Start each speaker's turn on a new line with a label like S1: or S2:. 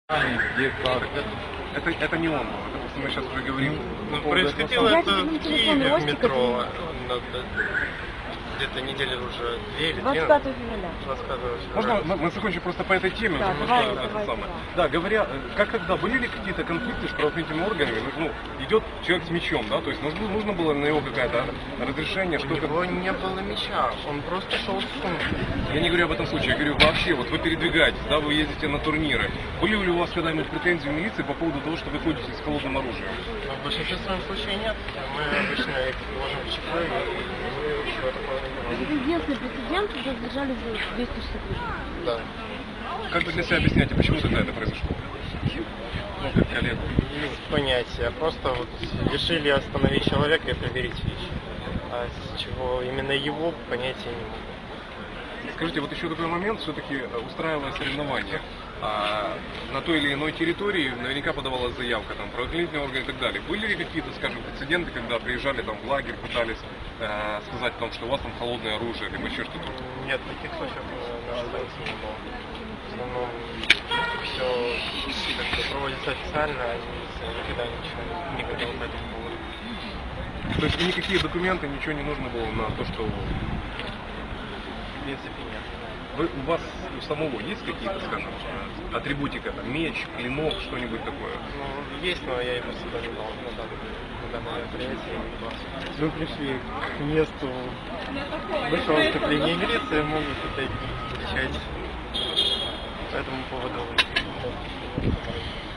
S1: гектар. Это не он был, это просто мы сейчас уже говорим.
S2: Ну, происходило это в Киеве в метро. Где-то недели уже 2 или 3.
S3: 25 февраля.
S2: 25
S1: Можно мы закончим просто по этой теме?
S3: Да,
S1: потому
S3: давай,
S1: что
S3: давай,
S1: самое.
S3: да.
S1: Да, говоря, как тогда, были ли какие-то конфликты с правоохранительными органами? Ну, идет человек с мечом, да, то есть нужно было на него какое-то разрешение,
S2: У
S1: что-то...
S2: него не было меча, он просто шел с сумкой.
S1: Я не говорю об этом случае, я говорю вообще, вот вы передвигаетесь, да, вы ездите на турниры. Были ли у вас когда-нибудь претензии в милиции по поводу того, что вы ходите с холодным оружием?
S2: Но в большинстве своем случае нет. Мы обычно их ложим в ЧП и ничего такого не
S3: Это
S2: делаем.
S3: единственный прецедент, когда задержали за 260 рублей.
S2: Да.
S1: Как вы для себя объясняете, почему тогда это произошло? Ну, как коллегу.
S2: Без понятия. Просто вот решили остановить человека и проверить вещи. А с чего именно его, понятия не могу.
S1: Скажите, вот еще такой момент, все-таки устраивая соревнования на той или иной территории, наверняка подавалась заявка, там, правоохранительные органы и так далее. Были ли какие-то, скажем, прецеденты, когда приезжали там в лагерь, пытались сказать о том, что у вас там холодное оружие, либо еще что-то?
S2: Нет, таких случаев наблюдается не было. В основном все как бы проводится официально, а никогда ничего не говорил по этому поводу.
S1: То есть никакие документы, ничего не нужно было на то, что...
S2: В принципе, нет.
S1: У вас у самого есть какие-то, скажем, атрибутика, там, меч, клинок, что-нибудь такое?
S2: Ну, есть, но я его сюда не дал на данное мероприятие. Мы пришли к месту большого выступления милиции, могут это кричать по этому поводу.